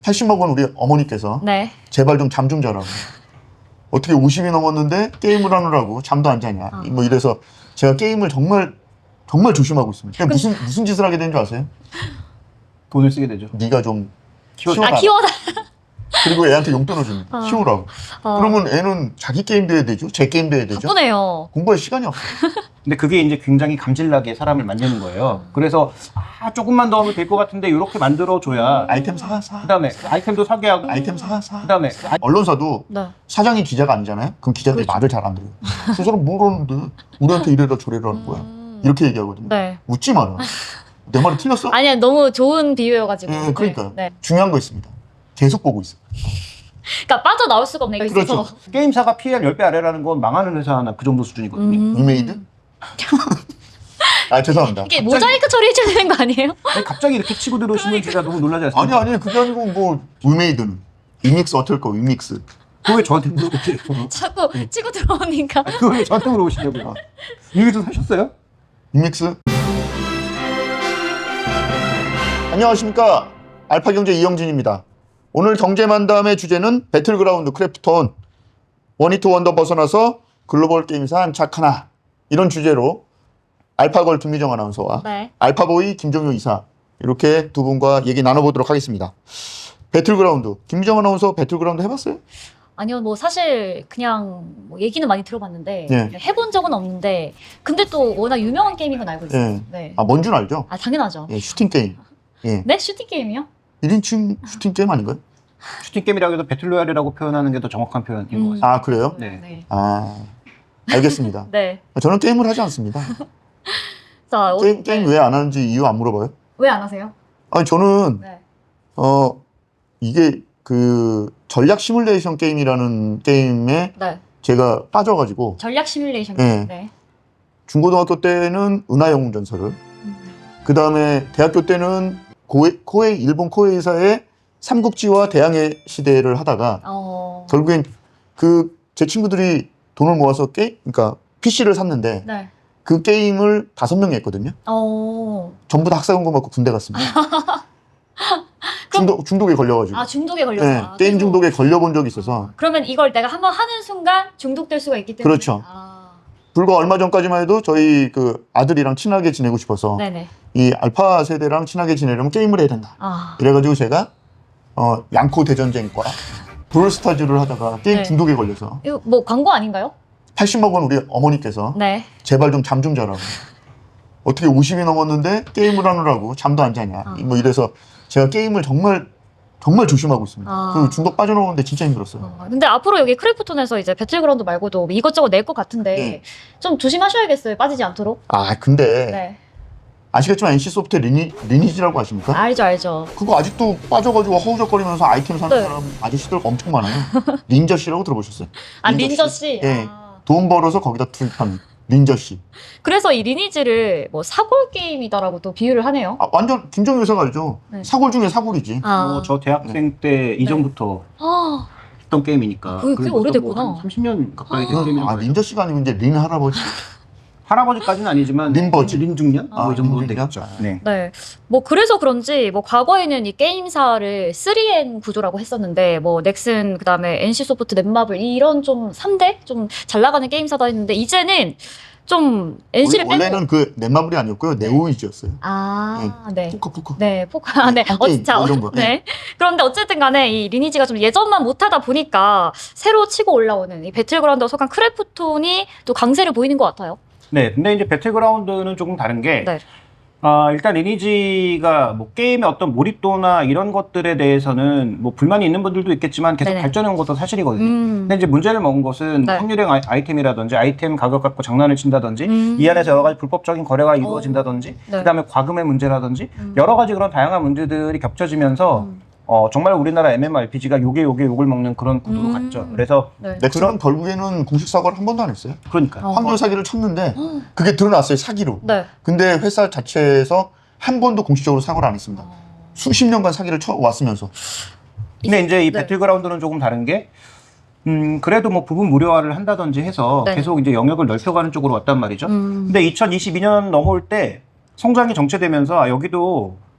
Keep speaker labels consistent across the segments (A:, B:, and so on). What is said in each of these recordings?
A: 80만 원 우리 어머니께서
B: 네.
A: 제발 좀 잠 좀 자라고. 어떻게 50이 넘었는데 게임을 하느라고 잠도 안 자냐. 뭐 이래서 제가 게임을 정말 조심하고 있습니다. 무슨 짓을 하게 된 줄 아세요?
C: 돈을 쓰게 되죠.
A: 네가 좀
C: 키워달라.
A: 키워달라.
B: 키워달라.
A: 그리고 애한테 용돈을 줍니다. 키우라고. 그러면 애는 자기 게임도 해야 되죠. 제 게임도 해야 되죠.
B: 바쁘네요.
A: 공부할 시간이 없어요.
C: 근데 그게 이제 굉장히 감질나게 사람을 만드는 거예요. 그래서 조금만 더 하면 될 것 같은데 이렇게 만들어줘야
A: 아이템 사.
C: 그다음에 아이템도 사게 하고
A: 아이템 사.
C: 그다음에
A: 언론사도
B: 네.
A: 사장이 기자가 아니잖아요. 그럼 기자들이 말을 잘 안 들어요. 저 사람 뭐라는데 우리한테 이래라 저래라 하는 거야. 이렇게 얘기하거든요.
B: 네.
A: 웃지 마라. 내 말이 틀렸어?
B: 아니야, 너무 좋은 비유여가지고.
A: 네, 그러니까요.
B: 네.
A: 중요한 거 있습니다. 계속 보고 있어.
B: 그러니까 빠져나올 수가 없네. 여기서.
A: 그렇죠.
C: 게임사가 PL 10배 아래라는 건 망하는 회사나 그 정도 수준이거든요.
A: 위메이드? 아 죄송합니다.
B: 이게 모자이크 처리해줘야 되는 거 아니에요?
C: 아니, 갑자기 이렇게 치고 들어오시면 제가 너무 놀라지 않습니까?
A: 아니 그게 아니고 뭐 위메이드는 위믹스 어떨 거 위믹스.
C: 그거 왜 저한테 물어보세요?
B: 자꾸 치고 들어오니까.
C: 그거 왜 저한테 물어보시냐고요? 이게 좀 사셨어요?
A: 위믹스. 안녕하십니까 알파경제 이영진입니다. 오늘 경제만담의 주제는 배틀그라운드 크래프톤 원히트 원더 벗어나서 글로벌 게임사 안착하나 이런 주제로 알파걸 김미정 아나운서와
B: 네.
A: 알파보이 김정효 이사 이렇게 두 분과 얘기 나눠보도록 하겠습니다. 배틀그라운드 김미정 아나운서 배틀그라운드 해봤어요?
B: 아니요, 뭐 사실 그냥 뭐 얘기는 많이 들어봤는데
A: 예.
B: 해본 적은 없는데 근데 또 워낙 유명한 게임인 건 알고 있어요.
A: 예.
B: 네.
A: 아 뭔 줄 알죠?
B: 아 당연하죠.
A: 예, 슈팅 게임. 예.
B: 네? 슈팅 게임이요?
A: 1인칭 슈팅 게임 아닌가요?
C: 슈팅 게임이라고 해도 배틀로얄이라고 표현하는 게 더 정확한 표현인 것 같습니다.
A: 아 그래요?
C: 네.
B: 네.
A: 아 알겠습니다.
B: 네.
A: 저는 게임을 하지 않습니다.
B: 자,
A: 게임 왜 안 하는지 이유 안 물어봐요?
B: 왜 안 하세요?
A: 아니 저는
B: 네.
A: 이게 그 전략 시뮬레이션 게임이라는 게임에
B: 네.
A: 제가 빠져가지고
B: 전략 시뮬레이션
A: 네.
B: 게임. 네.
A: 중고등학교 때는 은하영웅전설을 그 다음에 대학교 때는 일본 코에이사의 삼국지와 대항해 시대를 하다가 결국엔 제 친구들이 돈을 모아서 그러니까 PC를 샀는데
B: 네.
A: 그 게임을 5명이 했거든요. 전부 다 학사금고 받고 군대 갔습니다. 중독에 걸려가지고.
B: 아, 중독에 걸려서.
A: 네, 게임 중독에 걸려본 적이 있어서.
B: 그러면 이걸 내가 한번 하는 순간 중독될 수가 있기 때문에.
A: 그렇죠. 불과 얼마 전까지만 해도 저희 그 아들이랑 친하게 지내고 싶어서
B: 네네.
A: 이 알파 세대랑 친하게 지내려면 게임을 해야 된다. 이래가지고 제가 양코 대전쟁과 브롤스타즈를 하다가 게임
B: 네.
A: 중독에 걸려서
B: 이거 뭐 광고 아닌가요?
A: 80만 원 우리 어머니께서
B: 네.
A: 제발 좀 잠 좀 자라고. 어떻게 50이 넘었는데 게임을 하느라고 잠도 안 자냐. 뭐 이래서 제가 게임을 정말 조심하고 있습니다. 그 중독 빠져나오는데 진짜 힘들었어요.
B: 근데 앞으로 여기 크래프톤에서 이제 배틀그라운드 말고도 이것저것 낼 것 같은데
A: 네.
B: 좀 조심하셔야겠어요. 빠지지 않도록.
A: 아 근데
B: 네.
A: 아시겠지만 NC소프트 리니지라고 아십니까?
B: 알죠.
A: 그거 아직도 빠져가지고 허우적거리면서 아이템 사는
B: 네.
A: 사람 아저씨들 엄청 많아요. 린저 씨라고 들어보셨어요?
B: 린저 씨.
A: 예. 돈 벌어서 거기다 투입하는 린저 씨.
B: 그래서 이 리니지를 뭐 사골 게임이다라고 또 비유를 하네요.
A: 완전 김정일 회사가 알죠.
B: 네.
A: 사골 중에 사골이지.
C: 저 대학생 때 이전부터 했던 게임이니까.
B: 그게
C: 그래서
B: 오래됐구나.
C: 뭐 30년 가까이 된 게임이라고.
A: 린저 씨가 아니고 이제 린 할아버지.
C: 할아버지까지는 아니지만
A: 린버지.
C: 린중년? 뭐 이 정도
A: 린중년?
C: 되겠죠. 네.
B: 네. 뭐 그래서 그런지 뭐 과거에는 이 게임사를 3N 구조라고 했었는데 뭐 넥슨 그다음에 NC소프트, 넷마블 이런 좀 3대 좀 잘 나가는 게임사다 했는데 이제는 좀 NC를 빼고
A: 원래는 그 넷마블이 아니었고요. 네오이즈였어요.
B: 네.
A: 포커.
B: 네, 포카. 네.
A: 게임, 뭐 이런 거.
B: 네. 그런데 어쨌든 간에 이 리니지가 좀 예전만 못하다 보니까 새로 치고 올라오는 이 배틀그라운드와 속한 크래프톤이 또 강세를 보이는 것 같아요.
C: 네, 근데 이제 배틀그라운드는 조금 다른 게,
B: 네.
C: 일단 리니지가 뭐 게임의 어떤 몰입도나 이런 것들에 대해서는 뭐 불만이 있는 분들도 있겠지만 계속
B: 네네.
C: 발전해 온 것도 사실이거든요. 근데 이제 문제를 먹은 것은
B: 네.
C: 확률형 아이템이라든지 아이템 가격 갖고 장난을 친다든지 이 안에서 여러 가지 불법적인 거래가 이루어진다든지
B: 네.
C: 그다음에 과금의 문제라든지 여러 가지 그런 다양한 문제들이 겹쳐지면서 정말 우리나라 MMORPG가 욕을 먹는 그런 구도로 갔죠. 그래서
B: 네.
A: 넥슨은 결국에는 공식 사과를 한 번도 안 했어요.
C: 그러니까
A: 환경 사기를 쳤는데 그게 드러났어요. 사기로.
B: 네.
A: 근데 회사 자체에서 한 번도 공식적으로 사과를 안 했습니다. 수십 년간 사기를 쳐왔으면서.
C: 근데 이제 이
B: 네.
C: 배틀그라운드는 조금 다른 게 그래도 뭐 부분 무료화를 한다든지 해서
B: 네.
C: 계속 이제 영역을 넓혀가는 쪽으로 왔단 말이죠. 근데 2022년 넘어올 때 성장이 정체되면서 여기도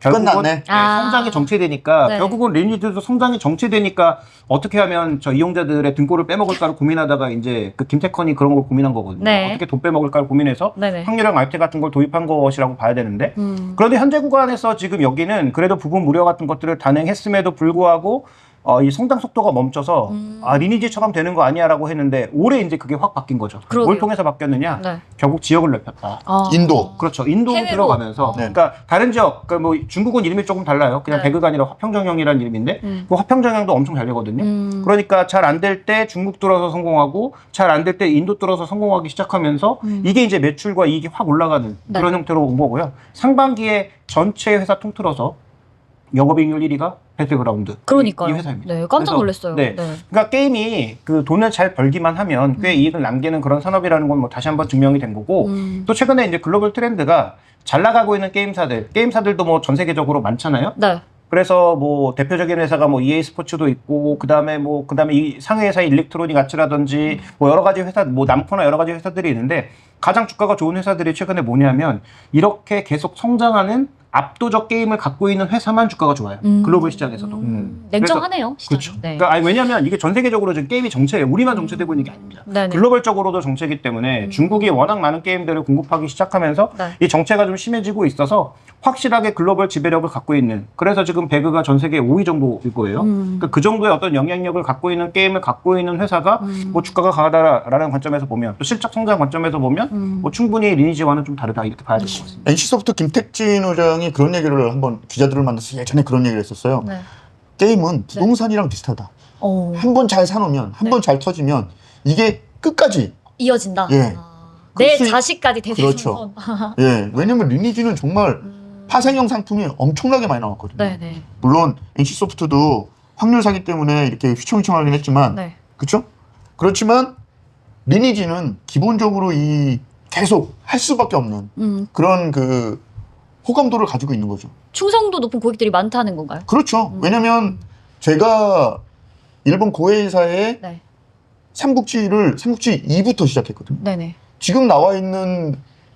C: 결국은
A: 끝났네.
C: 성장이 정체되니까
B: 네.
C: 결국은 리니지도 성장이 정체되니까 어떻게 하면 저 이용자들의 등골을 빼먹을까를 고민하다가 이제 그 김태컨이 그런 걸 고민한 거거든요.
B: 네.
C: 어떻게 돈 빼먹을까를 고민해서
B: 네네.
C: 확률형 RT 같은 걸 도입한 것이라고 봐야 되는데 그런데 현재 구간에서 지금 여기는 그래도 부분 무료 같은 것들을 단행했음에도 불구하고 이 성장 속도가 멈춰서 리니지처럼 되는 거 아니야라고 했는데 올해 이제 그게 확 바뀐 거죠.
B: 그러게요.
C: 뭘 통해서 바뀌었느냐?
B: 네.
C: 결국 지역을 넓혔다.
A: 인도.
C: 그렇죠. 인도로
B: 해외로.
C: 들어가면서
A: 네.
C: 그러니까 다른 지역 그러니까 뭐 중국은 이름이 조금 달라요. 그냥
B: 네.
C: 배그가 아니라 화평정형이라는 이름인데 그 화평정형도 엄청 잘 되거든요. 그러니까 잘 안 될 때 중국 뚫어서 성공하고 잘 안 될 때 인도 뚫어서 성공하기 시작하면서 이게 이제 매출과 이익이 확 올라가는
B: 네.
C: 그런 형태로 온 거고요. 상반기에 전체 회사 통틀어서 영업이익률 1위가 배틀그라운드
B: 그러니까요.
C: 이 회사입니다.
B: 네, 깜짝
C: 그래서,
B: 놀랐어요.
C: 네.
B: 네.
C: 그러니까 게임이 그 돈을 잘 벌기만 하면 꽤 이익을 남기는 그런 산업이라는 건 뭐 다시 한번 증명이 된 거고 또 최근에 이제 글로벌 트렌드가 잘 나가고 있는 게임사들도 뭐 전 세계적으로 많잖아요.
B: 네.
C: 그래서 뭐 대표적인 회사가 뭐 EA 스포츠도 있고 그다음에 이 상해 회사의 일렉트로닉 아츠라든지 뭐 여러 가지 회사 뭐 남코나 여러 가지 회사들이 있는데 가장 주가가 좋은 회사들이 최근에 뭐냐면 이렇게 계속 성장하는 압도적 게임을 갖고 있는 회사만 주가가 좋아요. 글로벌 시장에서도.
B: 냉정하네요. 시장이.
C: 그렇죠.
B: 네.
C: 그러니까 왜냐하면 이게 전 세계적으로 지금 게임이 정체예요. 우리만 정체되고 있는 게 아닙니다.
B: 네네.
C: 글로벌적으로도 정체이기 때문에 중국이 워낙 많은 게임들을 공급하기 시작하면서
B: 네.
C: 이 정체가 좀 심해지고 있어서 확실하게 글로벌 지배력을 갖고 있는 그래서 지금 배그가 전 세계 5위 정도일 거예요. 그러니까 그 정도의 어떤 영향력을 갖고 있는 게임을 갖고 있는 회사가 뭐 주가가 강하다라는 관점에서 보면 또 실적 성장 관점에서 보면 뭐 충분히 리니지와는 좀 다르다 이렇게 봐야 될 것 같습니다.
A: NC소프트 김택진 의장이 그런 얘기를 한번 기자들을 만나서 예전에 그런 얘기를 했었어요.
B: 네.
A: 게임은 부동산이랑 비슷하다.
B: 어,
A: 한 번 잘 사놓으면, 한 번 잘 터지면 이게 끝까지.
B: 이어진다.
A: 예.
B: 내
A: 그렇지.
B: 자식까지
A: 그렇죠.
B: 대대손손.
A: 예, 왜냐면 리니지는 정말 파생형 상품이 엄청나게 많이 나왔거든요.
B: 네네.
A: 물론 NC소프트도 확률 사기 때문에 이렇게 휘청휘청하긴 했지만,
B: 네.
A: 그렇죠? 그렇지만 리니지는 기본적으로 이 계속 할 수밖에 없는 그런 그 호감도를 가지고 있는 거죠.
B: 충성도 높은 고객들이 많다는 건가요?
A: 그렇죠. 왜냐면 제가 일본 고해사의
B: 네.
A: 삼국지 2부터 시작했거든요.
B: 네네.
A: 지금 나와 있는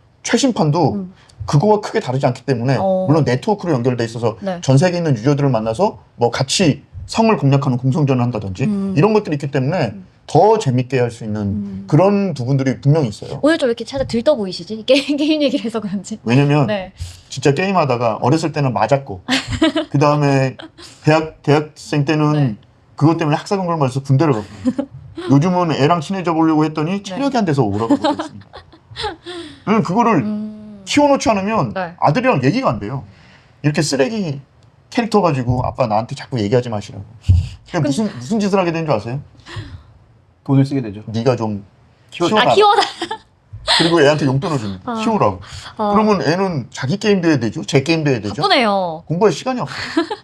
A: 최신판도 그거와 크게 다르지 않기 때문에 물론 네트워크로 연결돼 있어서
B: 네.
A: 전 세계에 있는 유저들을 만나서 뭐 같이 성을 공략하는 공성전을 한다든지 이런 것들이 있기 때문에 더 재밌게 할 수 있는 그런 부분들이 분명히 있어요.
B: 오늘 좀 이렇게 살짝 들떠 보이시지? 게임 얘기를 해서 그런지.
A: 왜냐면
B: 네.
A: 진짜 게임하다가 어렸을 때는 맞았고 그 다음에 대학생 때는
B: 네.
A: 그것 때문에 학사금 걸면서 군대를 가고 요즘은 애랑 친해져 보려고 했더니 체력이 안 돼서 오라고 못했습니다. 그거를 키워놓지 않으면
B: 네.
A: 아들이랑 얘기가 안 돼요. 이렇게 쓰레기 캐릭터 가지고 아빠 나한테 자꾸 얘기하지 마시라고. 그냥 무슨 짓을 하게 된 줄 아세요?
C: 돈을 쓰게 되죠.
A: 네가 좀
C: 키워-
A: 키워라.
B: 키워다.
A: 그리고 애한테 용돈을 줍니다. 키우라고. 그러면 애는 자기 게임도 해야 되죠. 제 게임도 해야 되죠.
B: 바쁘네요.
A: 공부할 시간이 없어요.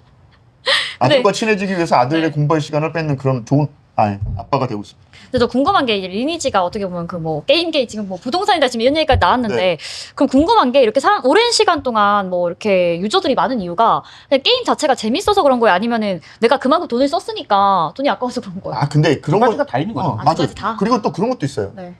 A: 아들과 친해지기 위해서 아들의
B: 네.
A: 공부할 시간을 뺏는 그런 좋은 아빠가 되고 있습니다.
B: 근데 저 궁금한 게 이제 리니지가 어떻게 보면 그 뭐 게임계 지금 뭐 부동산이다 지금 이런 얘기가 나왔는데
A: 네.
B: 그럼 궁금한 게 이렇게 오랜 시간 동안 뭐 이렇게 유저들이 많은 이유가 그냥 게임 자체가 재밌어서 그런 거예요? 아니면은 내가 그만큼 돈을 썼으니까 돈이 아까워서 그런 거예요?
A: 근데 그런
C: 두 가지가 다 있는 거죠.
B: 두
A: 맞아요.
B: 가지 다?
A: 그리고 또 그런 것도 있어요.
B: 네.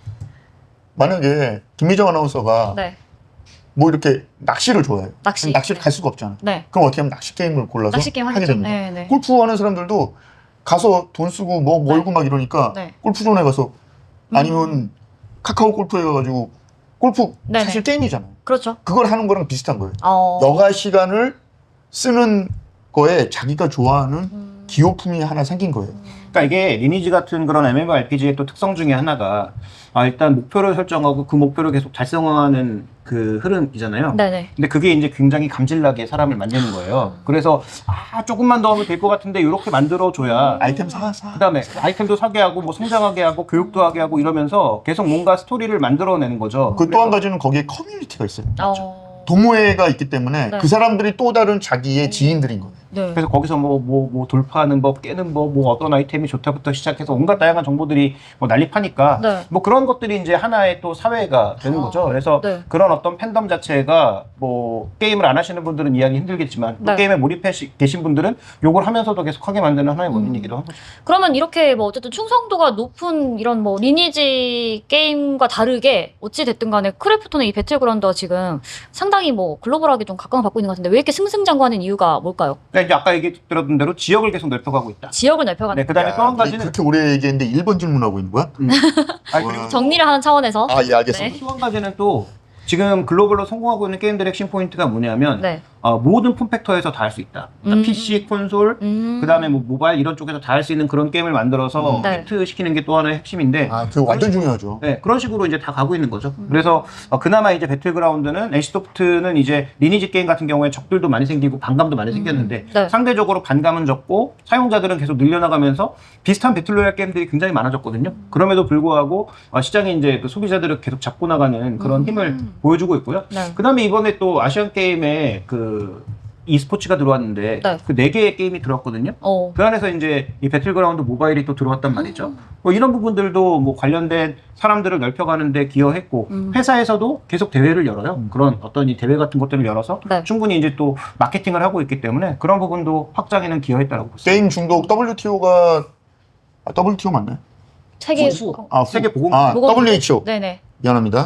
A: 만약에 김미정 아나운서가
B: 네.
A: 뭐 이렇게 낚시를 좋아해요.
B: 낚시.
A: 낚시를
B: 네.
A: 갈 수가 없잖아.
B: 네.
A: 그럼 어떻게 하면 낚시 게임을 골라서
B: 낚시 게임
A: 하게
B: 하겠죠.
A: 됩니다.
B: 네, 네.
A: 골프 하는 사람들도 가서 돈 쓰고 뭐 멀고 막 이러니까
B: 네.
A: 골프존에 가서 아니면 카카오 골프에 가가지고 골프
B: 네네.
A: 사실 게임이잖아요.
B: 그렇죠.
A: 그걸 하는 거랑 비슷한 거예요.
B: 어.
A: 여가 시간을 쓰는 거에 자기가 좋아하는 기호품이 하나 생긴 거예요.
C: 그러니까 이게 리니지 같은 그런 MMORPG의 또 특성 중에 하나가 일단 목표를 설정하고 그 목표를 계속 달성하는 그 흐름이잖아요.
B: 네네.
C: 근데 그게 이제 굉장히 감질나게 사람을 만드는 거예요. 그래서 조금만 더 하면 될 것 같은데 이렇게 만들어줘야
A: 아이템 사.
C: 그다음에 아이템도 사게 하고 뭐 성장하게 하고 교육도 하게 하고 이러면서 계속 뭔가 스토리를 만들어내는 거죠.
A: 그 또 한 가지는 거기에 커뮤니티가 있어요.
B: 어.
A: 동호회가 있기 때문에
B: 네.
A: 그 사람들이 또 다른 자기의 지인들인 거예요.
B: 네.
C: 그래서 거기서 뭐 돌파하는 법, 깨는 법, 뭐 어떤 아이템이 좋다부터 시작해서 온갖 다양한 정보들이 뭐 난립하니까
B: 네.
C: 뭐 그런 것들이 이제 하나의 또 사회가 되는 거죠. 그래서
B: 네.
C: 그런 어떤 팬덤 자체가 뭐 게임을 안 하시는 분들은 이해하기 힘들겠지만 또
B: 네.
C: 게임에 몰입해 계신 분들은 욕을 하면서도 계속 하게 만드는 하나의 원인이기도 한 거죠.
B: 그러면 이렇게 뭐 어쨌든 충성도가 높은 이런 뭐 리니지 게임과 다르게 어찌 됐든 간에 크래프톤의 이 배틀그라운드가 지금 상당히 뭐 글로벌하게 좀 각광을 받고 있는 것 같은데 왜 이렇게 승승장구하는 이유가 뭘까요?
C: 그러니까 이제 아까 얘기 들었던 대로 지역을 계속 넓혀가고 있다.
B: 지역을 넓혀가는
C: 네, 그다음에 또 한 가지는
A: 그렇게 오래 얘기했는데 1번 질문하고 있는 거야?
C: 아니, 그리고
B: 정리를 하는 차원에서
A: 아, 예, 알겠습니다.
B: 네.
C: 또 한 가지는 또 지금 글로벌로 성공하고 있는 게임들의 핵심 포인트가 뭐냐면
B: 네.
C: 모든 폼팩터에서 다 할 수 있다. 그러니까 PC, 콘솔, 그다음에 뭐 모바일 이런 쪽에서 다 할 수 있는 그런 게임을 만들어서
B: 네.
C: 히트 시키는 게 또 하나의 핵심인데
A: 아, 그거 완전 중요하죠.
C: 네, 그런 식으로 이제 다 가고 있는 거죠. 그래서 그나마 이제 배틀그라운드는 NC소프트는 이제 리니지 게임 같은 경우에 적들도 많이 생기고 반감도 많이 생겼는데
B: 네.
C: 상대적으로 반감은 적고 사용자들은 계속 늘려나가면서 비슷한 배틀로얄 게임들이 굉장히 많아졌거든요. 그럼에도 불구하고 시장에 이제 그 소비자들을 계속 잡고 나가는 그런 힘을 보여주고 있고요.
B: 네.
C: 그다음에 이번에 또 아시안 게임에 그 e스포츠가 들어왔는데
B: 네.
C: 그 4개의 게임이 들어왔거든요. 그 안에서 이제 이 배틀그라운드 모바일이 또 들어왔단 말이죠. 뭐 이런 부분들도 뭐 관련된 사람들을 넓혀가는 데 기여했고 회사에서도 계속 대회를 열어요. 그런 어떤 이 대회 같은 것들을 열어서
B: 네.
C: 충분히 이제 또 마케팅을 하고 있기 때문에 그런 부분도 확장에는 기여했다고 볼 수 있습니다.
A: 게임 중독 WTO가 WTO 맞나요?
B: 세계
C: 세계 보건
A: WHO.
B: 네네.
A: 미안합니다.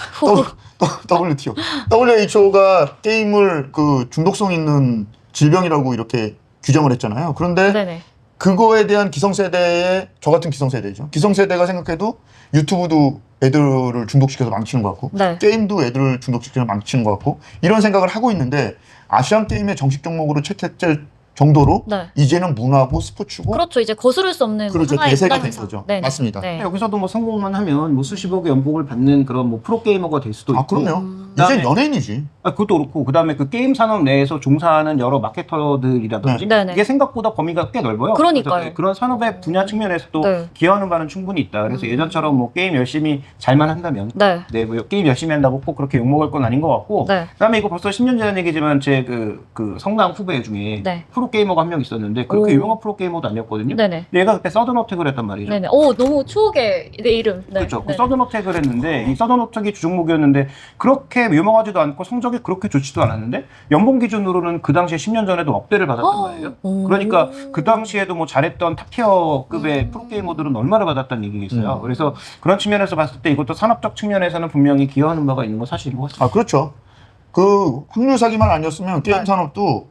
A: WTO. WHO가 게임을 그 중독성 있는 질병이라고 이렇게 규정을 했잖아요. 그런데
B: 네네.
A: 그거에 대한 기성세대의, 저 같은 기성세대죠. 기성세대가 생각해도 유튜브도 애들을 중독시켜서 망치는 것 같고,
B: 네.
A: 게임도 애들을 중독시켜서 망치는 것 같고, 이런 생각을 하고 있는데, 아시안 게임의 정식 종목으로 채택될 정도로
B: 네.
A: 이제는 문화고 스포츠고,
B: 그렇죠. 이제 거스를 수 없는
A: 그렇죠.
B: 하나의
A: 대세가 된
B: 문화현상.
A: 거죠.
B: 네네.
A: 맞습니다.
B: 네.
C: 여기서도 뭐 성공만 하면 뭐 수십억의 연봉을 받는 그런 뭐 프로게이머가 될 수도 있고.
A: 아, 그럼요.
C: 그다음에-
A: 이제 연예인이지.
C: 그것도 그렇고 그다음에 그 게임 산업 내에서 종사하는 여러 마케터들이라든지
B: 네. 네네.
C: 이게 생각보다 범위가 꽤 넓어요.
B: 그러니까요.
C: 그래서 그런 산업의 분야 측면에서도
B: 네.
C: 기여하는 바는 충분히 있다. 그래서 예전처럼 뭐 게임 열심히 잘만 한다면
B: 네.
C: 뭐 게임 열심히 한다고 꼭 그렇게 욕먹을 건 아닌 것 같고
B: 네.
C: 그다음에 이거 벌써 10년 전 얘기지만 제 그 성남 후배 중에
B: 네.
C: 프로게이머가 한 명 있었는데 그렇게
B: 오.
C: 유명한 프로게이머도 아니었거든요.
B: 네네.
C: 근데 얘가 그때 서든어택을 했단 말이죠.
B: 네네. 오, 너무 추억의 내 이름. 네.
C: 그렇죠. 그
B: 네.
C: 서든어택을 했는데 이 서든어택이 주종목이었는데 그렇게 유명하지도 않고 성적이 그렇게 좋지도 않았는데 연봉 기준으로는 그 당시에 10년 전에도 억대를 받았단 말이에요.
B: 오.
C: 그러니까 그 당시에도 뭐 잘했던 탑티어급의 프로게이머들은 얼마를 받았다는 얘기겠어요. 그래서 그런 측면에서 봤을 때 이것도 산업적 측면에서는 분명히 기여하는 바가 있는 건 사실인 것 같습니다.
A: 아, 그렇죠. 그 확률 사기만 아니었으면 게임
B: 네.
A: 산업도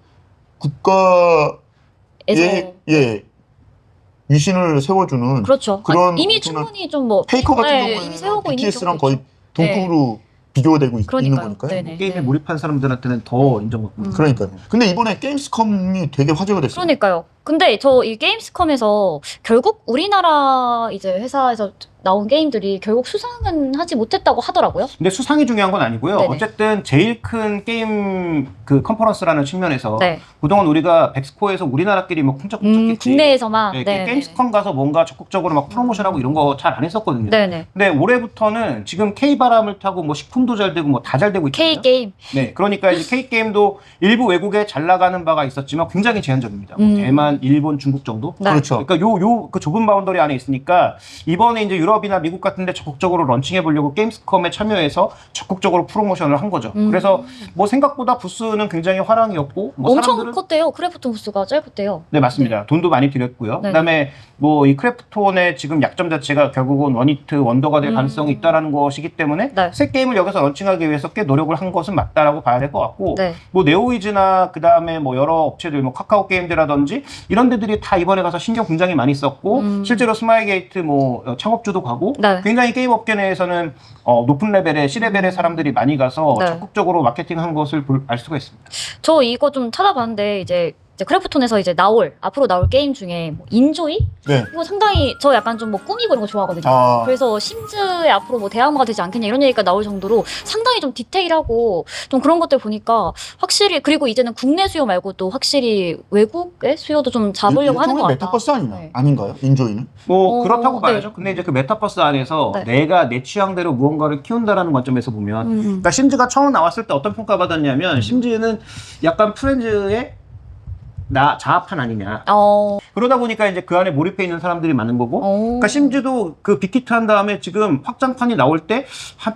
A: 국가의
B: 에서.
A: 위신을 세워주는
B: 그렇죠.
A: 그런
B: 이미
A: 엄청난
B: 충분히 좀 뭐
A: 페이커 같은
B: 네,
A: 경우에는
B: 이미 세우고 있는
A: BTS랑
B: 경우도
A: 거의
B: 있죠.
A: 동급으로 비교되고 있는
B: 그러니까요.
A: 거니까요.
B: 네네.
C: 게임에
B: 네.
C: 몰입한 사람들한테는 더 인정받고
A: 그러니까요. 근데 이번에 게임스컴이 되게 화제가 됐어요.
B: 그러니까요. 근데 저 이 게임스컴에서 결국 우리나라 이제 회사에서 나온 게임들이 결국 수상은 하지 못했다고 하더라고요.
C: 근데 수상이 중요한 건 아니고요.
B: 네네.
C: 어쨌든 제일 큰 게임 그 컨퍼런스라는 측면에서
B: 네.
C: 그동안 우리가 백스코에서 우리나라끼리 뭐 쿵짝쿵짝했지.
B: 국내에서만.
C: 네,
B: 네.
C: 게임스컴 가서 뭔가 적극적으로 막 프로모션하고 이런 거 잘 안 했었거든요.
B: 네네.
C: 근데 올해부터는 지금 K바람을 타고 뭐 식품도 잘 되고 뭐 다 잘 되고 있거든요.
B: K 게임.
C: 네, 그러니까 이제 K게임도 일부 외국에 잘 나가는 바가 있었지만 굉장히 제한적입니다. 뭐 대만, 일본, 중국 정도.
B: 네.
A: 그렇죠.
C: 그러니까 그 좁은 바운더리 안에 있으니까 이번에 이제 유럽이나 미국 같은데 적극적으로 런칭해 보려고 게임스컴에 참여해서 적극적으로 프로모션을 한 거죠. 그래서 뭐 생각보다 부스는 굉장히 화랑이었고 뭐
B: 엄청
C: 사람들은
B: 컸대요. 크래프톤 부스가 짧았대요.
C: 네, 맞습니다. 돈도 많이 들였고요.
B: 네.
C: 그다음에 뭐 이 크래프톤의 지금 약점 자체가 결국은 원히트 원더가 될 가능성이 있다라는 것이기 때문에
B: 네.
C: 새 게임을 여기서 런칭하기 위해서 꽤 노력을 한 것은 맞다라고 봐야 될 것 같고
B: 네.
C: 뭐 네오이즈나 그다음에 뭐 여러 업체들 뭐 카카오 게임즈라든지 이런 데들이 다 이번에 가서 신경 굉장히 많이 썼고 실제로 스마일게이트 뭐 창업주도 가고
B: 네.
C: 굉장히 게임 업계 내에서는 높은 레벨의 C레벨의 사람들이 많이 가서
B: 네.
C: 적극적으로 마케팅한 것을 알 수가 있습니다.
B: 저 이거 좀 찾아봤는데 이제 크래프톤에서 이제 앞으로 나올 게임 중에 뭐 인조이?
A: 네.
B: 이거 상당히 저 약간 좀 뭐 꾸미고 이런 거 좋아하거든요.
A: 아.
B: 그래서 심즈에 앞으로 뭐 대항마가 되지 않겠냐 이런 얘기가 나올 정도로 상당히 좀 디테일하고 좀 그런 것들 보니까 확실히 그리고 이제는 국내 수요 말고 또 확실히 외국의 수요도 좀 잡으려고 하는 것 같다.
A: 메타버스 아니냐?
B: 네.
A: 아닌가요? 인조이는?
C: 뭐
B: 어,
C: 그렇다고
B: 네.
C: 봐야죠. 근데 이제 그 메타버스 안에서
B: 네.
C: 내가 내 취향대로 무언가를 키운다라는 관점에서 보면 그러니까 심즈가 처음 나왔을 때 어떤 평가받았냐면 심즈는 약간 프렌즈의 자합판 아니냐.
B: 어.
C: 그러다 보니까 이제 그 안에 몰입해 있는 사람들이 많은 거고. 그러니까 심지어도 그 빅히트 한 다음에 지금 확장판이 나올 때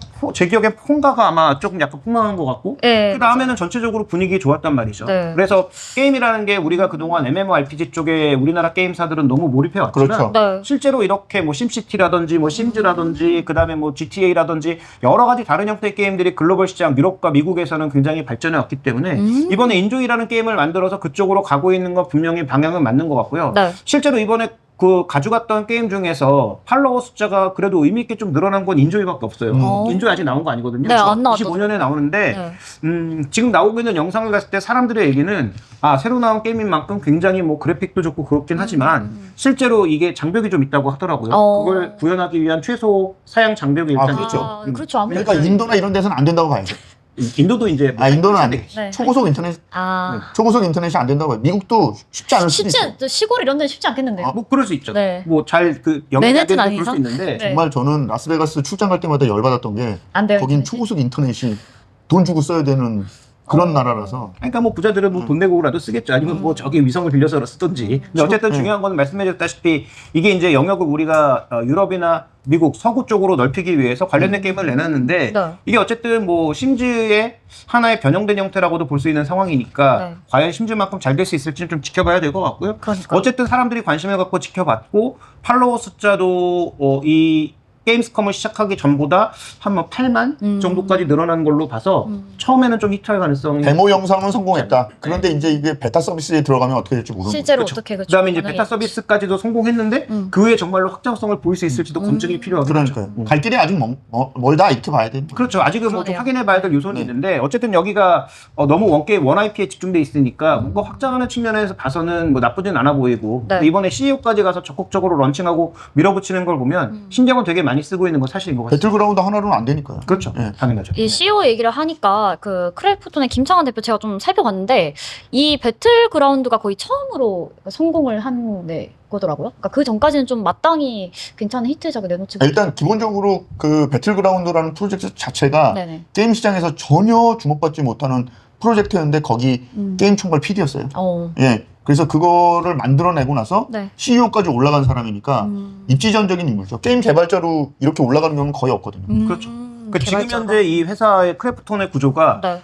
C: 제 기억에 폰가가 아마 조금 약간 폭망한 것 같고.
B: 네,
C: 그 다음에는 전체적으로 분위기 좋았단 말이죠.
B: 네.
C: 그래서 게임이라는 게 우리가 그동안 MMORPG 쪽에 우리나라 게임사들은 너무 몰입해 왔지만
A: 그렇죠.
B: 네.
C: 실제로 이렇게 뭐 심시티라든지 뭐 심즈라든지 그다음에 뭐 GTA라든지 여러 가지 다른 형태의 게임들이 글로벌 시장 유럽과 미국에서는 굉장히 발전해 왔기 때문에 이번에 인조이라는 게임을 만들어서 그쪽으로 가고 있는 건 분명히 방향은 맞는 것 같고요.
B: 네.
C: 실제로 이번에 그 가져갔던 게임 중에서 팔로워 숫자가 그래도 의미 있게 좀 늘어난 건 인조이밖에 없어요. 인조이 아직 나온 거 아니거든요.
B: 네, 안 나왔죠.
C: 25년에 나오는데
B: 네.
C: 지금 나오고 있는 영상을 봤을 때 사람들의 얘기는 새로 나온 게임인 만큼 굉장히 뭐 그래픽도 좋고 그렇긴 하지만 실제로 이게 장벽이 좀 있다고 하더라고요. 그걸 구현하기 위한 최소 사양 장벽이 일단
A: 그렇죠.
C: 있죠.
B: 그렇죠. 아무래도.
A: 그러니까 인도나 이런 데서는 안 된다고 봐야죠.
C: 인도도 이제
A: 인도는 안 돼.
B: 네.
A: 초고속 인터넷, 초고속 인터넷이 안 된다고 봐요. 미국도 쉽지 않을 수도 있어요.
B: 쉽지 시골 이런 데는 쉽지 않겠는데요.
C: 뭐 그럴 수 있죠.
B: 네.
C: 뭐 잘 그 연결이 안
B: 맨해튼
C: 되는 그럴
B: 아니죠?
C: 수 있는데
B: 네.
A: 정말 저는 라스베가스 출장 갈 때마다 열받았던 게
B: 안 돼요.
A: 거긴 초고속 인터넷이 돈 주고 써야 되는 그런 나라라서
C: 그러니까 뭐 부자들은 뭐 돈 내고라도 쓰겠죠. 아니면 뭐 저기 위성을 빌려서 쓰든지. 근데 어쨌든 중요한 건 말씀해줬다시피 이게 이제 영역을 우리가 유럽이나 미국 서구 쪽으로 넓히기 위해서 관련된 게임을 내놨는데
B: 네.
C: 이게 어쨌든 뭐 심즈의 하나의 변형된 형태라고도 볼 수 있는 상황이니까
B: 네.
C: 과연 심즈만큼 잘 될 수 있을지는 좀 지켜봐야 될 것 같고요.
B: 그러니까.
C: 어쨌든 사람들이 관심을 갖고 지켜봤고 팔로워 숫자도 이 게임스컴을 시작하기 전보다 한 뭐 8만 정도까지 늘어난 걸로 봐서 처음에는 좀 히트할 가능성이
A: 데모 영상은 성공했다. 그런데 이제 이게 베타 서비스에 들어가면 어떻게 될지 모르는 거죠.
B: 실제로
C: 그렇죠.
B: 어떻게 그렇죠.
C: 그다음에 이제 베타 서비스까지도 성공했는데 그 후에 정말로 확장성을 보일 수 있을지도 검증이 필요하겠죠.
A: 그러니까요. 갈 길이 아직 멀다 이렇게 봐야 되는 거죠.
C: 그렇죠. 아직은 뭐 좀
B: 그러네요.
C: 확인해봐야 될 요소는
A: 네.
C: 있는데 어쨌든 여기가 너무 원 IP에 집중돼 있으니까 뭔가 확장하는 측면에서 봐서는 뭐 나쁘진 않아 보이고
B: 네.
C: 이번에 CEO까지 가서 적극적으로 런칭하고 밀어붙이는 걸 보면 신경을 되게 많이 쓰고 있는 건 사실인 것 같습니다.
A: 배틀그라운드 하나로는 안 되니까요.
C: 그렇죠.
A: 네.
C: 당연하죠.
B: 이 CEO 얘기를 하니까 그 크래프톤의 김창완 대표 제가 좀 살펴봤는데 이 배틀그라운드가 거의 처음으로 성공을 한 거더라고요. 그러니까 그 전까지는 좀 마땅히 괜찮은 히트작을 내놓지
A: 일단 기본적으로 그 배틀그라운드라는 프로젝트 자체가
B: 네네.
A: 게임 시장에서 전혀 주목받지 못하는 프로젝트였는데 거기 게임 총괄 PD였어요. 예. 그래서 그거를 만들어내고 나서
B: 네.
A: CEO까지 올라간 사람이니까 입지전적인 인물이죠. 게임 개발자로 이렇게 올라가는 경우는 거의 없거든요.
C: 그렇죠. 그 지금 현재 이 회사의 크래프톤의 구조가
B: 네.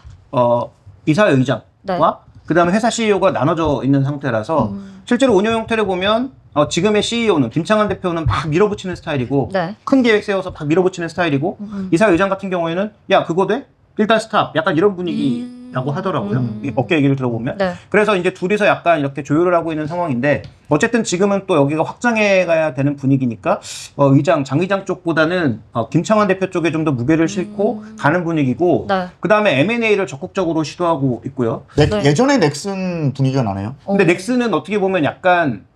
C: 이사회장과
B: 네.
C: 그다음에 회사 CEO가 나눠져 있는 상태라서 실제로 운영 형태를 보면 지금의 CEO는 김창완 대표는 막 밀어붙이는 스타일이고
B: 네.
C: 큰 계획 세워서 막 밀어붙이는 스타일이고 이사회장 같은 경우에는 야 그거 돼? 일단 스탑. 약간 이런 분위기라고 하더라고요. 이 업계 얘기를 들어보면.
B: 네.
C: 그래서 이제 둘이서 약간 이렇게 조율을 하고 있는 상황인데 어쨌든 지금은 또 여기가 확장해 가야 되는 분위기니까 장 의장 쪽보다는 김창완 대표 쪽에 좀 더 무게를 싣고 가는 분위기고
B: 네.
C: 그다음에 M&A를 적극적으로 시도하고 있고요.
B: 네.
A: 예전에 넥슨 분위기가 나네요.
C: 근데 넥슨은 어떻게 보면 약간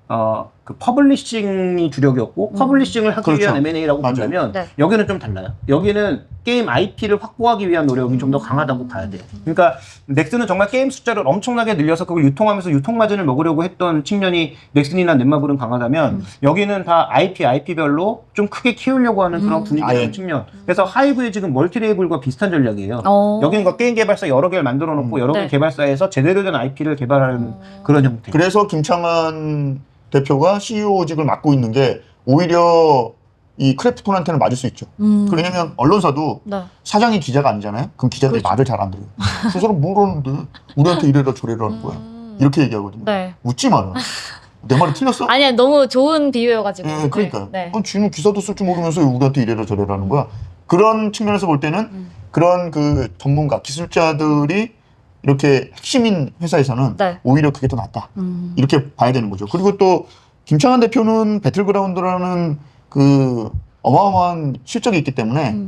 C: 그 퍼블리싱이 주력이었고 퍼블리싱을 하기
A: 그렇죠.
C: 위한 M&A라고
A: 맞아요.
C: 본다면
B: 네.
C: 여기는 좀 달라요. 여기는 게임 IP를 확보하기 위한 노력이 좀 더 강하다고 봐야 돼요. 그러니까 넥슨은 정말 게임 숫자를 엄청나게 늘려서 그걸 유통하면서 유통 마진을 먹으려고 했던 측면이 넥슨이나 넷마블은 강하다면 여기는 다 IP별로 좀 크게 키우려고 하는 그런 분위기라는
A: 아예.
C: 측면. 그래서 하이브의 지금 멀티레이블과 비슷한 전략이에요.
B: 어.
C: 여기는 그 게임 개발사 여러 개를 만들어 놓고 여러 개
B: 네.
C: 개발사에서 제대로 된 IP를 개발하는 그런 형태.
A: 그래서 김창완 대표가 CEO직을 맡고 있는 게 오히려 이 크래프톤한테는 맞을 수 있죠. 왜냐면 언론사도
B: 네.
A: 사장이 기자가 아니잖아요. 그럼 기자들이
B: 그렇죠.
A: 말을 잘 안 들어요. 저 사람 뭐라는데 우리한테 이래라 저래라 하는 거야. 이렇게 얘기하거든요.
B: 네.
A: 웃지 마라. 내 말이 틀렸어?
B: 아니야 너무 좋은 비유여가지고.
A: 예, 그러니까요.
B: 네.
A: 쥐는 기사도 쓸 줄 모르면서 우리한테 이래라 저래라 하는 거야. 그런 측면에서 볼 때는 그런 그 전문가, 기술자들이 이렇게 핵심인 회사에서는
B: 네.
A: 오히려 그게 더 낫다. 이렇게 봐야 되는 거죠. 그리고 또 김창완 대표는 배틀그라운드라는 그 어마어마한 실적이 있기 때문에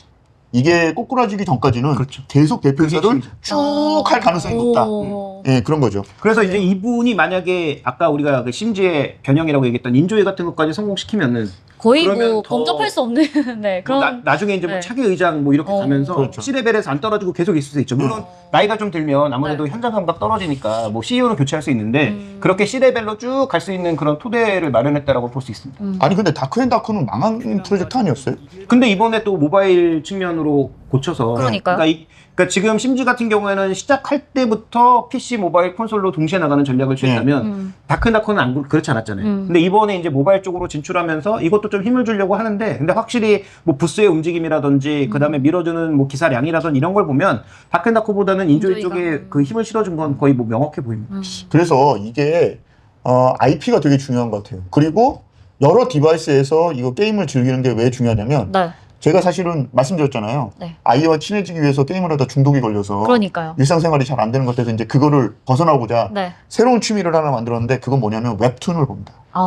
A: 이게 꼬꾸라지기 전까지는
C: 그렇죠.
A: 계속 대표이사를 쭉 할 가능성이 높다.
B: 오.
A: 예, 그런 거죠.
C: 그래서 이제 이분이 만약에 아까 우리가 그 심지의 변형이라고 얘기했던 인조이 같은 것까지 성공시키면은
B: 거의
C: 그러면
B: 뭐
C: 더-
B: 범접할 수 없는 네 그런
C: 나중에 이제 뭐
B: 네.
C: 차기 의장 뭐 이렇게 가면서
A: 그렇죠.
C: C레벨에서 안 떨어지고 계속 있을 수 있죠. 물론 나이가 좀 들면 아무래도 현장 감각 떨어지니까 뭐 CEO는 교체할 수 있는데 그렇게 C레벨로 쭉 갈 수 있는 그런 토대를 마련했다라고 볼 수 있습니다.
A: 아니 근데 다크앤다크는 망한 프로젝트 아니었어요?
C: 근데 이번에 또 모바일 측면으로 고쳐서.
B: 그러니까요.
C: 그러니까 지금 심지 같은 경우에는 시작할 때부터 PC, 모바일, 콘솔로 동시에 나가는 전략을 취했다면 다크나코는 그렇지 않았잖아요. 근데 이번에 이제 모바일 쪽으로 진출하면서 이것도 좀 힘을 주려고 하는데, 근데 확실히 뭐 부스의 움직임이라든지 그다음에 밀어주는 뭐 기사량이라든지 이런 걸 보면 다크나코보다는 인조이
B: 인조이가.
C: 쪽에 그 힘을 실어준 건 거의 뭐 명확해 보입니다.
A: 그래서 이게 IP가 되게 중요한 것 같아요. 그리고 여러 디바이스에서 이거 게임을 즐기는 게 왜 중요하냐면
B: 네.
A: 제가 사실은 말씀드렸잖아요.
B: 네.
A: 아이와 친해지기 위해서 게임을 하다 중독이 걸려서
B: 그러니까요.
A: 일상생활이 잘 안 되는 것 같아서 이제 그거를 벗어나고자
B: 네.
A: 새로운 취미를 하나 만들었는데 그건 뭐냐면 웹툰을 봅니다.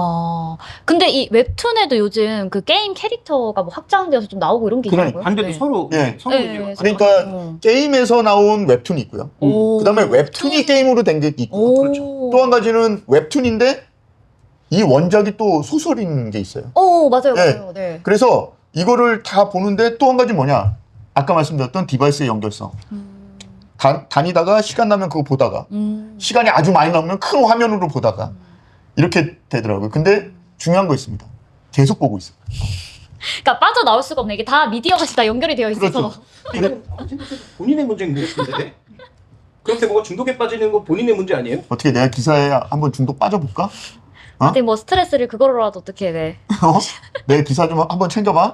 B: 근데 이 웹툰에도 요즘 그 게임 캐릭터가 뭐 확장되어서 좀 나오고 이런 게
A: 그러니까.
B: 있더라고요.
C: 반대도
B: 네.
C: 서로
A: 예.
C: 성공이에요.
B: 네,
A: 그러니까 게임에서 나온 웹툰이 있고요.
B: 오.
A: 그다음에 웹툰이 게임으로 된 게 있고
B: 오.
C: 그렇죠.
A: 또 한 가지는 웹툰인데 이 원작이 또 소설인 게 있어요.
B: 오, 맞아요,
A: 네.
B: 맞아요. 네.
A: 그래서 이거를 다 보는데 또 한 가지 뭐냐? 아까 말씀드렸던 디바이스의 연결성. 다니다가 시간 나면 그거 보다가 시간이 아주 많이 나면 큰 화면으로 보다가 이렇게 되더라고요. 근데 중요한 거 있습니다. 계속 보고 있어요.
B: 그러니까 빠져나올 수가 없네. 이게 다 미디어가 다 연결이 되어 있어서.
A: 그렇죠.
C: 이건 본인의 문제인 것 같은데. 그렇게 뭐가 중독에 빠지는 건 본인의 문제 아니에요?
A: 어떻게 내가 기사에 한번 중독 빠져볼까?
B: 근데 뭐 스트레스를 그거로라도 어떻게 내.
A: 내 기사 좀 한번 챙겨봐.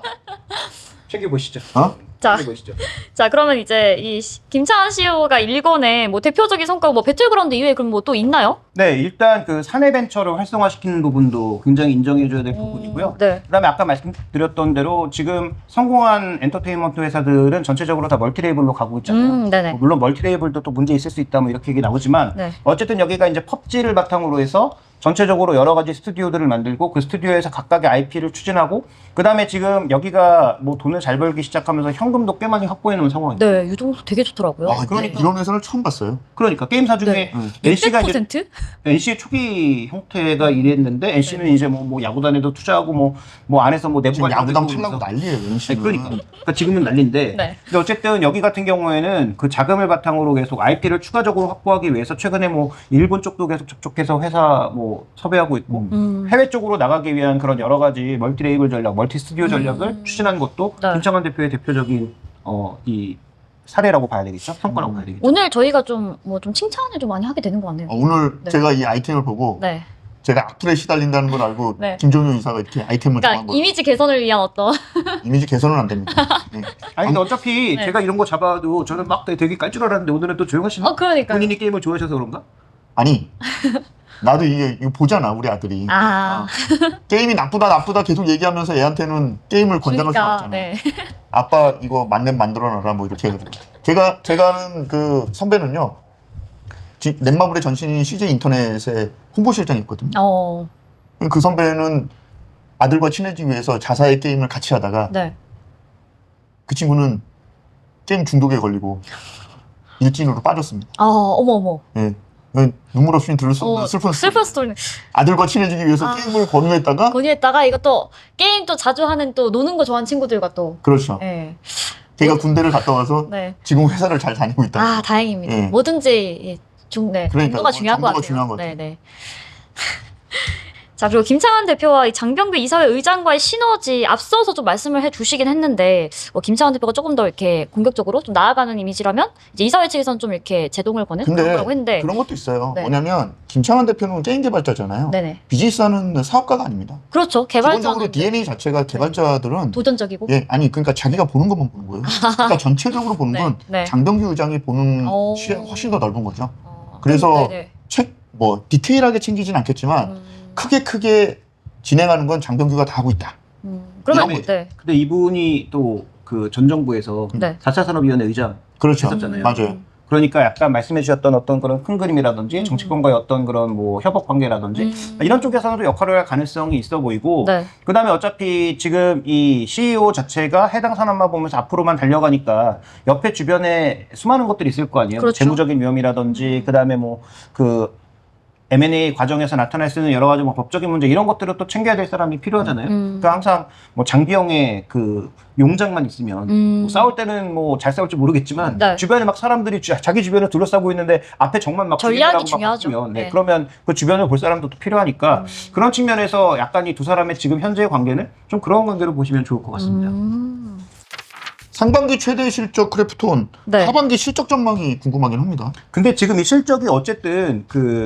C: 챙겨보시죠.
B: 자,
C: 챙겨보시죠.
B: 자 그러면 이제 이 김창완 CEO가 일궈낸 뭐 대표적인 성과가 뭐 배틀그라운드 이외에 그럼 뭐 또 있나요?
C: 네, 일단 그 사내 벤처를 활성화시키는 부분도 굉장히 인정해줘야 될 부분이고요.
B: 네.
C: 그다음에 아까 말씀드렸던 대로 지금 성공한 엔터테인먼트 회사들은 전체적으로 다 멀티레이블로 가고 있잖아요.
B: 네네.
C: 뭐 물론 멀티레이블도 또 문제 있을 수 있다 뭐 이렇게 얘기 나오지만
B: 네.
C: 어쨌든 여기가 이제 펍지를 바탕으로 해서 전체적으로 여러 가지 스튜디오들을 만들고 그 스튜디오에서 각각의 IP를 추진하고 그다음에 지금 여기가 뭐 돈을 잘 벌기 시작하면서 현금도 꽤 많이 확보해 놓은 상황입니다.
B: 네, 유동도 되게 좋더라고요.
C: 그러니까.
A: 이런 회사를 처음 봤어요.
C: 그러니까 게임사 중에 NC가 이제
B: 600%?
C: NC의 초기 형태가 이랬는데 NC는 이제 뭐 야구단에도 투자하고 뭐 안에서 뭐 내부
A: 지금
C: 관리도
A: 야구단
C: 해보면서.
A: 팔라고 난리예요.
C: 네,
A: NC는.
C: 그러니까 지금은 난리인데
B: 네.
C: 근데 어쨌든 여기 같은 경우에는 그 자금을 바탕으로 계속 IP를 추가적으로 확보하기 위해서 최근에 뭐 일본 쪽도 계속 접촉해서 회사 뭐 섭외하고 있고 해외 쪽으로 나가기 위한 그런 여러 가지 멀티레이블 전략, 멀티 스튜디오 전략을 추진한 것도
B: 네.
C: 김창완 대표의 대표적인 이 사례라고 봐야 되겠죠? 성과라고 봐야 되겠죠?
B: 오늘 저희가 좀 칭찬을 좀 많이 하게 되는 것 같네요.
A: 오늘
B: 네.
A: 제가 이 아이템을 보고
B: 네.
A: 제가 악플에 시달린다는 걸 알고
B: 네.
A: 김종효 이사가 이렇게 아이템을 정한
B: 그러니까
A: 거예요.
B: 이미지 개선을 위한 어떤
A: 이미지 개선은 안 됩니다. 네.
C: 아니 근데 어차피
B: 네.
C: 제가 이런 거 잡아도 저는 막 되게 깔 줄 알았는데 오늘은 또 조용하시네?
B: 그러니까요.
C: 본인이 게임을 좋아하셔서 그런가?
A: 아니 나도 이거 보잖아 우리 아들이. 게임이 나쁘다 계속 얘기하면서 애한테는 게임을 권장할 수 없잖아.
B: 네.
A: 아빠 이거 만렙 만들어놔라 뭐 이렇게 해가지고 제가 아는 그 선배는요 넷마블의 전신인 CJ 인터넷의 홍보실장이 있거든요. 그 선배는 아들과 친해지기 위해서 자사의 게임을 같이 하다가
B: 네.
A: 그 친구는 게임 중독에 걸리고 일진으로 빠졌습니다.
B: 어머.
A: 예. 눈물 없이 들을 수 없는 슬픈
B: 스토리.
A: 아들과 친해지기 위해서 게임을 권유했다가
B: 권유했다가 이것도 게임 또 자주 하는 또 노는 거 좋아하는 친구들과 또.
A: 그렇죠.
B: 네.
A: 걔가 군대를 갔다 와서
B: 네.
A: 지금 회사를 잘 다니고 있다.
B: 다행입니다.
A: 예.
B: 뭐든지
A: 그러니까
B: 정도가 중요한 것
A: 정도가
B: 같아요.
A: 중요한 것 같아요.
B: 네네. 자, 그리고 김창완 대표와 이 장병규 이사회 의장과의 시너지 앞서서 좀 말씀을 해주시긴 했는데, 김창완 대표가 조금 더 이렇게 공격적으로 좀 나아가는 이미지라면, 이제 이사회 측에서는 좀 이렇게 제동을 거는 그런
A: 근데
B: 거라고 했는데,
A: 그런 것도 있어요.
B: 네.
A: 뭐냐면 김창완 대표는 게임 개발자잖아요.
B: 네네.
A: 비즈니스하는 사업가가 아닙니다.
B: 그렇죠.
A: 기본적으로
B: 개발자는
A: DNA 자체가 개발자들은
B: 도전적이고.
A: 그러니까 자기가 보는 것만 보는 거예요. 그러니까 전체적으로 보는 건
B: 네.
A: 장병규 의장이 보는
B: 오.
A: 시야가 훨씬 더 넓은 거죠. 그래서
B: 네네.
A: 디테일하게 챙기진 않겠지만 크게 진행하는 건 장병규가 다 하고 있다.
B: 그러면
A: 이런
B: 네.
C: 근데 이분이 또 그 전 정부에서
B: 네.
C: 4차 산업위원회 의장
A: 그렇죠.
C: 했었잖아요.
A: 맞아요.
C: 그러니까 약간 말씀해 주셨던 어떤 그런 큰 그림이라든지 정치권과의 어떤 그런 뭐 협업 관계라든지 이런 쪽에서도 역할을 할 가능성이 있어 보이고
B: 네.
C: 그다음에 어차피 지금 이 CEO 자체가 해당 산업만 보면서 앞으로만 달려가니까 옆에 주변에 수많은 것들이 있을 거 아니에요.
B: 그렇죠.
C: 재무적인 위험이라든지 그다음에 뭐 그 M&A 과정에서 나타날 수 있는 여러 가지 뭐 법적인 문제 이런 것들을 또 챙겨야 될 사람이 필요하잖아요. 그러니까 항상 뭐 장비형의 그 용장만 있으면 뭐 싸울 때는 뭐 잘 싸울지 모르겠지만
B: 네.
C: 주변에 막 사람들이 자기 주변을 둘러싸고 있는데 앞에 적만 막
B: 전략이
C: 죽이려고 막
B: 중요하죠.
C: 바꾸면
B: 네.
C: 그러면 그 주변을 볼 사람도 또 필요하니까 그런 측면에서 약간 이 두 사람의 지금 현재의 관계는 좀 그런 관계로 보시면 좋을 것 같습니다.
A: 상반기 최대 실적 크래프톤,
B: 네.
A: 하반기 실적 전망이 궁금하긴 합니다.
C: 근데 지금 이 실적이 어쨌든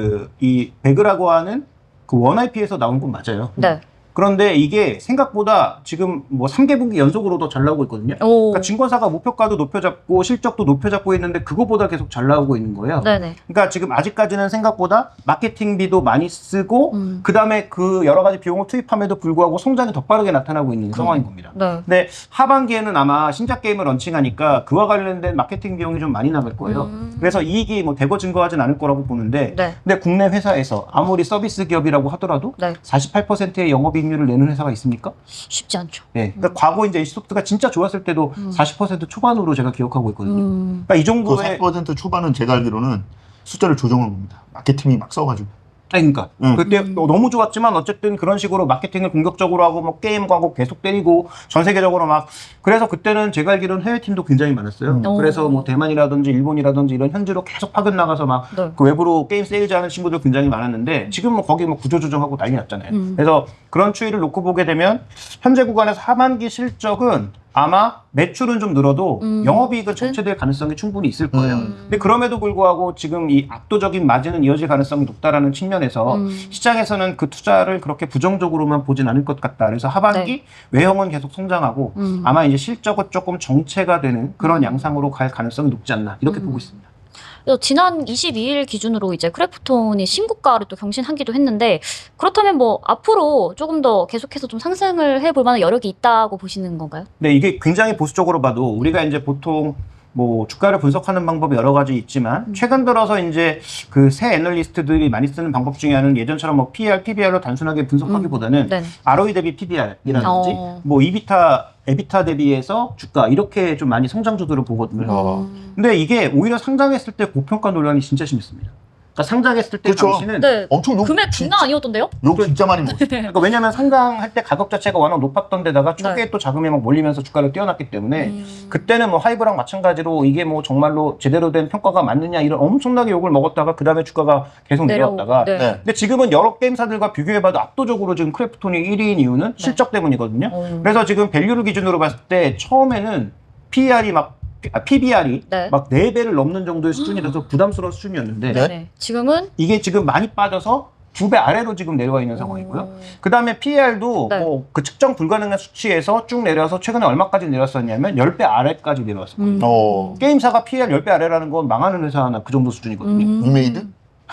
C: 이 배그라고 하는 그 원IP에서 나온 건 맞아요.
B: 네.
C: 그런데 이게 생각보다 지금 뭐 3개분기 연속으로 더 잘 나오고 있거든요.
B: 오.
C: 그러니까 증권사가 목표가도 높여잡고 실적도 높여잡고 있는데 그거보다 계속 잘 나오고 있는 거예요.
B: 네네.
C: 그러니까 지금 아직까지는 생각보다 마케팅비도 많이 쓰고 그다음에 그 여러 가지 비용을 투입함에도 불구하고 성장이 더 빠르게 나타나고 있는 상황인 겁니다.
B: 네.
C: 근데 하반기에는 아마 신작 게임을 런칭하니까 그와 관련된 마케팅 비용이 좀 많이 나갈 거예요. 그래서 이익이 뭐 대거 증가하진 않을 거라고 보는데
B: 네.
C: 근데 국내 회사에서 아무리 서비스 기업이라고 하더라도
B: 네.
C: 48%의 영업이익률을 내는 회사가 있습니까?
B: 쉽지 않죠.
C: 네. 그러니까 과거 이제 NC소프트가 진짜 좋았을 때도 40% 초반으로 제가 기억하고 있거든요. 그러니까 이
A: 그
C: 정도의
A: 40% 초반은 제가 알기로는 숫자를 조정을 봅니다. 마케팅이 막 써가지고.
C: 아니, 그러니까 그때 너무 좋았지만 어쨌든 그런 식으로 마케팅을 공격적으로 하고 뭐 게임 광고 계속 때리고 전 세계적으로 막 그래서 그때는 제가 알기로는 해외 팀도 굉장히 많았어요. 그래서 뭐 대만이라든지 일본이라든지 이런 현지로 계속 파견 나가서 막
B: 네.
C: 그 외부로 게임 세일즈하는 친구들 굉장히 많았는데 지금 뭐 거기 뭐 구조 조정하고 난리 났잖아요. 그래서 그런 추이를 놓고 보게 되면 현재 구간에서 하반기 실적은 아마 매출은 좀 늘어도 영업이익은 정체될 가능성이 충분히 있을 거예요. 근데 그럼에도 불구하고 지금 이 압도적인 마진은 이어질 가능성이 높다라는 측면에서 시장에서는 그 투자를 그렇게 부정적으로만 보진 않을 것 같다. 그래서 하반기 외형은 계속 성장하고 아마 이제 실적은 조금 정체가 되는 그런 양상으로 갈 가능성이 높지 않나 이렇게 보고 있습니다.
B: 그래서 지난 22일 기준으로 이제 크래프톤이 신고가를 또 경신하기도 했는데 그렇다면 뭐 앞으로 조금 더 계속해서 좀 상승을 해볼 만한 여력이 있다고 보시는 건가요?
C: 네, 이게 굉장히 보수적으로 봐도 우리가 이제 보통 뭐 주가를 분석하는 방법이 여러 가지 있지만 최근 들어서 이제 그 새 애널리스트들이 많이 쓰는 방법 중에 하나는 예전처럼 뭐 PER, PBR로 단순하게 분석하기보다는
B: 네.
C: ROE 대비 PBR이라든지
B: 어.
C: 뭐 에비타 대비해서 주가 이렇게 좀 많이 성장주들을 보거든요. 근데 이게 오히려 상장했을 때 고평가 논란이 진짜 심했습니다. 그러니까 상장했을 때
A: 그렇죠.
C: 당시는
B: 네.
A: 엄청
B: 금액 장난 아니었던데요?
A: 욕 진짜 많이 먹었어요.
C: 그러니까 왜냐하면 상장할 때 가격 자체가 워낙 높았던 데다가 초기에 또 자금이 막 몰리면서 주가를 띄워놨기 때문에 그때는 뭐 하이브랑 마찬가지로 이게 뭐 정말로 제대로 된 평가가 맞느냐 이런 엄청나게 욕을 먹었다가 그 다음에 주가가 계속 내려왔다가
B: 네.
A: 네.
C: 근데 지금은 여러 게임사들과 비교해봐도 압도적으로 지금 크래프톤이 1위인 이유는 실적 때문이거든요. 그래서 지금 밸류를 기준으로 봤을 때 처음에는 PBR이
B: 네.
C: 막 4배를 넘는 정도의 수준이라서 부담스러운 수준이었는데
A: 네.
B: 네. 지금은
C: 이게 지금 많이 빠져서 2배 아래로 지금 내려와 있는 상황이고요. 그 다음에 PER도
B: 네.
C: 뭐 그 측정 불가능한 수치에서 쭉 내려와서 최근에 얼마까지 내렸었냐면 10배 아래까지 내려왔었거든요. 게임사가 PER 10배 아래라는 건 망하는 회사 하나 그 정도 수준이거든요.
A: 리메이드?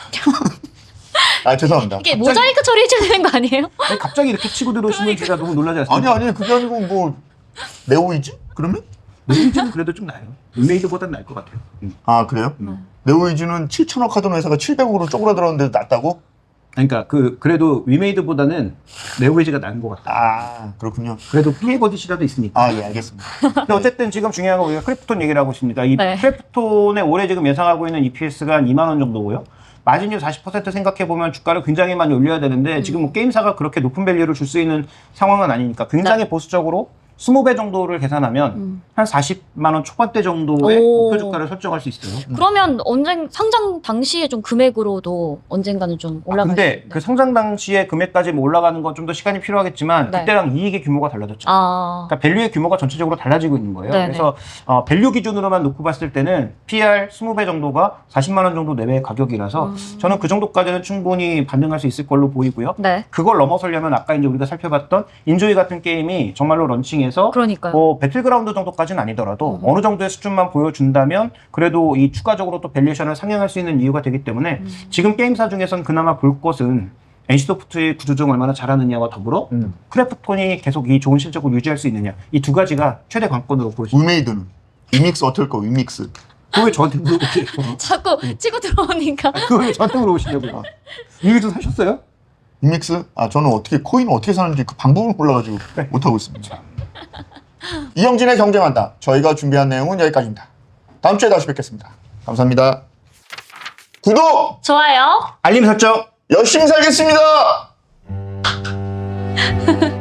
A: 아 죄송합니다.
B: 이게 모자이크 처리해줘야 되는 거 아니에요?
C: 아니, 갑자기 이렇게 치고 들어오시면 제가 너무 놀라지 않습니까?
A: 아니 그게 아니고 뭐 네오이즈? 그러면?
C: 네이즈는 그래도 좀 나아요. 리메이드보단 나을 것 같아요.
A: 아 그래요? 네오이즈는 7천억 하던 회사가 700억으로 쪼그라들었는데 낫다고?
C: 그러니까 그래도 위메이드보다는 네오웨이즈가 나은 것 같다.
A: 아 그렇군요.
C: 그래도 PA 버디시라도 있으니까.
A: 아 예 알겠습니다.
C: 근데 어쨌든 지금 중요한 건 우리가 크래프톤 얘기를 하고 있습니다. 이
B: 네.
C: 크래프톤의 올해 지금 예상하고 있는 EPS가 한 2만 원 정도고요. 마진율 40% 생각해보면 주가를 굉장히 많이 올려야 되는데 지금 뭐 게임사가 그렇게 높은 밸류를 줄 수 있는 상황은 아니니까 굉장히 보수적으로 20배 정도를 계산하면 한 40만 원 초반대 정도의
B: 오.
C: 목표 주가를 설정할 수 있어요.
B: 그러면 상장 당시에 좀 금액으로도 언젠가는 좀 올라갈 수
C: 근데
B: 있는데.
C: 그 성장 당시에 금액까지 뭐 올라가는 건 좀 더 시간이 필요하겠지만
B: 네.
C: 그때랑 이익의 규모가 달라졌죠.
B: 아.
C: 그러니까 밸류의 규모가 전체적으로 달라지고 있는 거예요.
B: 네네.
C: 그래서 밸류 기준으로만 놓고 봤을 때는 PR 20배 정도가 40만 원 정도 내외의 가격이라서 저는 그 정도까지는 충분히 반등할 수 있을 걸로 보이고요.
B: 네.
C: 그걸 넘어서려면 아까 이제 우리가 살펴봤던 인조이 같은 게임이 정말로 런칭해서
B: 그러니까요.
C: 뭐 배틀그라운드 정도까지는 아니더라도 어느 정도의 수준만 보여준다면 그래도 이 추가적으로 또 밸류에이션을 상향할 수 있는 이유가 되기 때문에 지금 게임사 중에선 그나마 볼 것은 NC소프트의 구조조정 얼마나 잘하느냐와 더불어 크래프톤이 계속 이 좋은 실적을 유지할 수 있느냐 이 두 가지가 최대 관건으로 보여집니다.
A: 위메이드는? 위믹스 어떨 거 위믹스?
C: 그거 왜 저한테 물어보세요?
B: 자꾸 치고 들어오니까.
C: 그거 왜 저한테 물어보시냐고요? 이거 사셨어요?
A: 위믹스? 아 저는 어떻게 코인을 어떻게 사는지 그 방법을 몰라가지고 못하고 있습니다. 이영진의 경제만담 저희가 준비한 내용은 여기까지입니다. 다음 주에 다시 뵙겠습니다. 감사합니다. 구독!
B: 좋아요.
C: 알림 설정!
A: 열심히 살겠습니다!